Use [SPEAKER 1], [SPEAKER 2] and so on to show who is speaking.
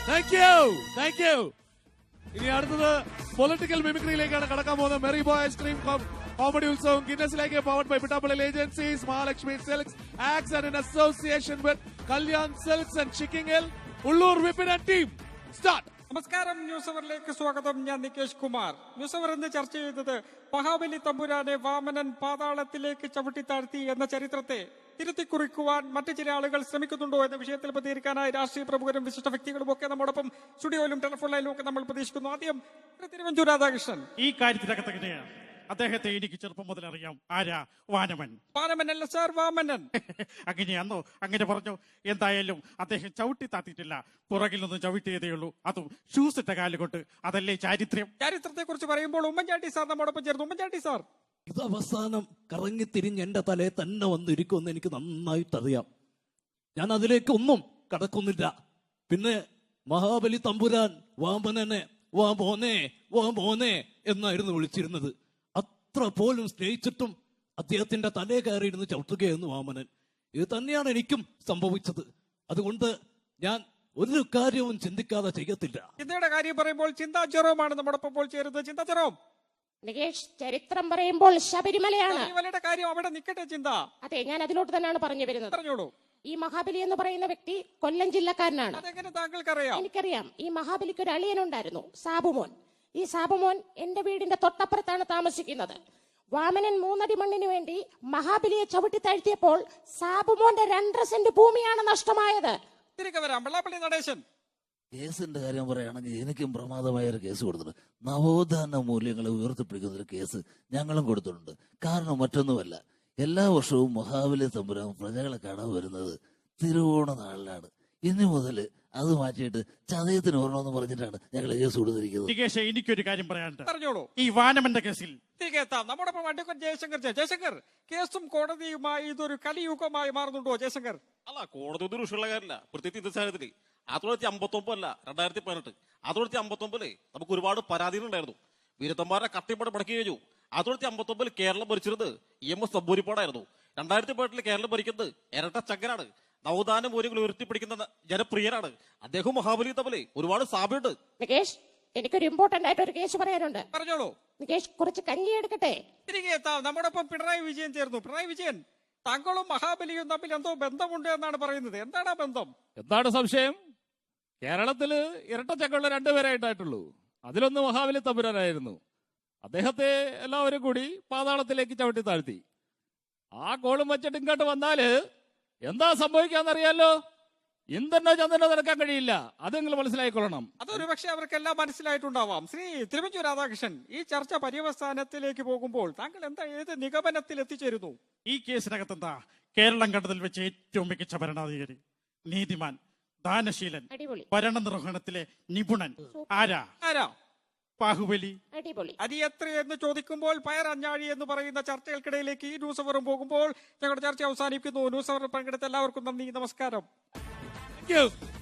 [SPEAKER 1] Thank you. ഇനി അടുത്തത് political മിമിക്രിയിലേക്കാണ് കടക്കാൻ പോകുന്നത്. മെറി ബോയ് ഐസ്ക്രീം കോമഡി ഉത്സവം ഗിന്നസിലേക്ക് powered by Pittappillil agencies, Mahalakshmi silks, axe and in association with Kalyan silks and ഷിക്കിംഗ് Ulloor Vipin and team. Start.
[SPEAKER 2] നമസ്കാരം, ന്യൂസ് അവറിലേക്ക് സ്വാഗതം. ഞാൻ നികേഷ് കുമാർ. ന്യൂസ് അവർ ഇന്ന് ചർച്ച ചെയ്തത് മഹാബലി തമ്പുരാനെ വാമനൻ പാതാളത്തിലേക്ക് ചവിട്ടിത്താഴ്ത്തി എന്ന ചരിത്രത്തെ തിരുത്തിക്കുറിക്കുവാൻ മറ്റു ചില ആളുകൾ ശ്രമിക്കുന്നുണ്ടോ എന്ന വിഷയത്തിൽ പ്രതികരിക്കാനായി രാഷ്ട്രീയ പ്രമുഖരും വിശിഷ്ട വ്യക്തികളും ഒക്കെ നമ്മോടൊപ്പം സ്റ്റുഡിയോയിലും ടെലിഫോൺ ലൈനിലും ഒക്കെ നമ്മൾ പ്രതീക്ഷിക്കുന്നു. ആദ്യം തിരുവഞ്ചൂർ രാധാകൃഷ്ണൻ.
[SPEAKER 3] ഈ കാര്യത്തിനകത്ത് എങ്ങനെയാണ് അദ്ദേഹത്തെ എനിക്ക് ചെറുപ്പം മുതൽ അറിയാം. ആരാ? വാനമൻ.
[SPEAKER 2] വാനമനല്ല സാർ, വാമനൻ.
[SPEAKER 3] അങ്ങനെയാന്നോ? അങ്ങനെ പറഞ്ഞു. എന്തായാലും അദ്ദേഹം ചവിട്ടി താത്തിയിട്ടില്ല, പുറകിൽ നിന്ന് ചവിട്ടിയതേ ഉള്ളൂ, അതും ഷൂസ് ഇട്ട കാലുകൊണ്ട്. അതല്ലേ ചാരിത്രം?
[SPEAKER 2] ചരിത്രത്തെ കുറിച്ച് പറയുമ്പോൾ ഉമ്മൻചാണ്ടി സാർ നമ്മോടൊപ്പം ചേർന്നു. ഉമ്മൻചാണ്ടി സാർ,
[SPEAKER 4] ഇത് അവസാനം കറങ്ങി തിരിഞ്ഞ് എന്റെ തലയെ തന്നെ വന്നിരിക്കുമെന്ന് എനിക്ക് നന്നായിട്ടറിയാം. ഞാൻ അതിലേക്ക് ഒന്നും കടക്കുന്നില്ല. പിന്നെ മഹാബലി തമ്പുരാൻ വാമനനെ വാ മോനെ എന്നായിരുന്നു വിളിച്ചിരുന്നത്. അത്ര പോലും സ്നേഹിച്ചിട്ടും അദ്ദേഹത്തിന്റെ തലയെ കയറിയിരുന്ന് ചവിട്ടുകയെന്ന് വാമനൻ. ഇത് തന്നെയാണ് എനിക്കും സംഭവിച്ചത്. അതുകൊണ്ട് ഞാൻ ഒരു കാര്യവും ചിന്തിക്കാതെ ചെയ്യത്തില്ല.
[SPEAKER 2] ചിന്തയുടെ കാര്യം പറയുമ്പോൾ ചിന്താ ജെറോമാണ് നമ്മോടൊപ്പം ചേരുന്നത്. ചിന്താ ജെറോം.
[SPEAKER 5] നികേഷ്, ചരിത്രം പറയുമ്പോൾ ശബരിമലയാണ്.
[SPEAKER 2] ശബരിമലയുടെ കാര്യം അവിടെ നിൽക്കട്ടെ ചിന്ത.
[SPEAKER 5] അതെ, ഞാൻ അതിലോട്ട് തന്നെയാണ് പറഞ്ഞു വരുന്നത്.
[SPEAKER 2] പറഞ്ഞോളൂ.
[SPEAKER 5] ഈ മഹാബലി എന്ന് പറയുന്ന വ്യക്തി കൊല്ലം ജില്ലക്കാരനാണ്.
[SPEAKER 2] അതെങ്ങനെ താങ്കൾക്കറിയാം?
[SPEAKER 5] എനിക്കറിയാം. ഈ മഹാബലിക്ക് ഒരു അളിയനുണ്ടായിരുന്നു, സാബുമോൻ. ഈ സാബുമോൻ എന്റെ വീടിന്റെ തൊട്ടപ്പുറത്താണ് താമസിക്കുന്നത്. വാമനൻ 3 അടി മണ്ണിന് വേണ്ടി മഹാബലിയെ ചവിട്ടി താഴ്ത്തിയപ്പോൾ സാബുമോന്റെ 2.5 സെന്റ് ഭൂമിയാണ് നഷ്ടമായത്.
[SPEAKER 2] തിരികെ വരാം. വെള്ളാപ്പള്ളി നടേശൻ.
[SPEAKER 6] കേസിന്റെ കാര്യം പറയുകയാണെങ്കിൽ എനിക്കും പ്രമാദമായ ഒരു കേസ് കൊടുത്തിട്ടുണ്ട്. നവോത്ഥാന മൂല്യങ്ങളെ ഉയർത്തിപ്പിടിക്കുന്ന ഒരു കേസ് ഞങ്ങളും കൊടുത്തിട്ടുണ്ട്. കാരണം മറ്റൊന്നുമല്ല, എല്ലാ വർഷവും മഹാബലി തമ്പുരാൻ പ്രജകളെ കാണാൻ വരുന്നത് തിരുവോണ നാളിലാണ്. ഇനി മുതൽ അത് മാറ്റിയിട്ട് ചതയത്തിന് ഓർണമെന്ന് പറഞ്ഞിട്ടാണ് ഞങ്ങൾ കേസ് കൊടുത്തിരിക്കുന്നത്.
[SPEAKER 3] നികേഷ്, എനിക്കൊരു കാര്യം പറയാനുണ്ട്.
[SPEAKER 2] പറഞ്ഞോളൂ.
[SPEAKER 3] ഈ വാനമന്റെ കേസിൽ
[SPEAKER 2] തിരികെ എത്താം. നമ്മോടൊപ്പം അഡ്വക്കേറ്റ് ജയശങ്കർ. ജയശങ്കർ, കേസും കോടതിയുമായി ഇതൊരു കലിയുഗമായി മാറുന്നുണ്ടോ ജയശങ്കർ?
[SPEAKER 7] അല്ല, കോടതി ഒരു വിഷയമുള്ള കാര്യമില്ല. പ്രത്യേകിച്ച് ഇന്നത്തെ സാഹചര്യത്തിൽ 1959 അല്ല 2018, 1959 നമുക്ക് ഒരുപാട് പരാതികളുണ്ടായിരുന്നു. വീരത്തന്മാരെ കത്തിപ്പട മടക്കി കഴിഞ്ഞു. 1959 കേരളം ഭരിച്ചിരുന്നത് EMS നമ്പൂരിപ്പാടായിരുന്നു. 2018 കേരളം ഭരിക്കുന്നത് ഇരട്ട ചങ്കരാണ്. നവോത്ഥാന മൂല്യങ്ങൾ ഉയർത്തിപ്പിടിക്കുന്ന ജനപ്രിയനാണ് അദ്ദേഹം. മഹാബലി തമ്മിൽ ഒരുപാട് സാമ്യമുണ്ട്.
[SPEAKER 5] നികേഷ്, എനിക്കൊരു ഇമ്പോർട്ടന്റ് ആയിട്ട് ഒരു കേസ് പറയാനുണ്ട്.
[SPEAKER 2] പറഞ്ഞോളൂ.
[SPEAKER 5] നികേഷ്, കുറച്ച് കഞ്ഞി എടുക്കട്ടെ.
[SPEAKER 2] തിരികെ എത്താം. നമ്മോടൊപ്പം പിണറായി വിജയൻ ചേർന്നു. പിണറായി വിജയൻ, താങ്കളും മഹാബലിയും തമ്മിൽ എന്തോ ബന്ധമുണ്ട് എന്നാണ് പറയുന്നത്. എന്താണ് ആ ബന്ധം?
[SPEAKER 1] എന്താണ് സംശയം? കേരളത്തില് ഇരട്ടച്ചക്കുള്ള 2 പേരായിട്ടായിട്ടുള്ളൂ. അതിലൊന്ന് മഹാബലി തമ്പുരാനായിരുന്നു. അദ്ദേഹത്തെ എല്ലാവരും കൂടി പാതാളത്തിലേക്ക് ചവിട്ടി താഴ്ത്തി. ആ കോളും വെച്ചിട്ട് ഇങ്ങോട്ട് വന്നാല് എന്താ സംഭവിക്കാന്നറിയാലോ? ഇന്ദ്രനോ ചന്ദ്രനോ നടക്കാൻ കഴിയില്ല. അത് നിങ്ങൾ മനസ്സിലായിക്കൊള്ളണം.
[SPEAKER 2] അതൊരു പക്ഷെ അവർക്കെല്ലാം മനസ്സിലായിട്ടുണ്ടാവാം. ശ്രീ തിരുവഞ്ചൂർ രാധാകൃഷ്ണൻ, ഈ ചർച്ച പര്യവസാനത്തിലേക്ക് പോകുമ്പോൾ താങ്കൾ ഏത് നിഗമനത്തിൽ എത്തിച്ചേരുന്നു?
[SPEAKER 3] ഈ കേസിനകത്തെന്താ? കേരളം കണ്ടതിൽ വെച്ച് ഏറ്റവും മികച്ച ഭരണാധികാരി, നീതിമാൻ, ദാനശീലൻ,
[SPEAKER 5] അടിപൊളി.
[SPEAKER 3] ഭരണ നിർവഹണത്തിലെ നിപുണൻ. ആരാ?
[SPEAKER 2] ആരാ?
[SPEAKER 3] ബാഹുബലി.
[SPEAKER 5] അടിപൊളി.
[SPEAKER 2] അരി എത്രയെന്ന് ചോദിക്കുമ്പോൾ പയർ അഞ്ഞാഴി എന്ന് പറയുന്ന ചർച്ചകൾക്കിടയിലേക്ക് ഈ ന്യൂസ് അവറും പോകുമ്പോൾ ഞങ്ങളുടെ ചർച്ച അവസാനിക്കുന്നു. ന്യൂസ് അവർ പങ്കെടുത്ത എല്ലാവർക്കും നന്ദി, നമസ്കാരം.
[SPEAKER 1] Thank you.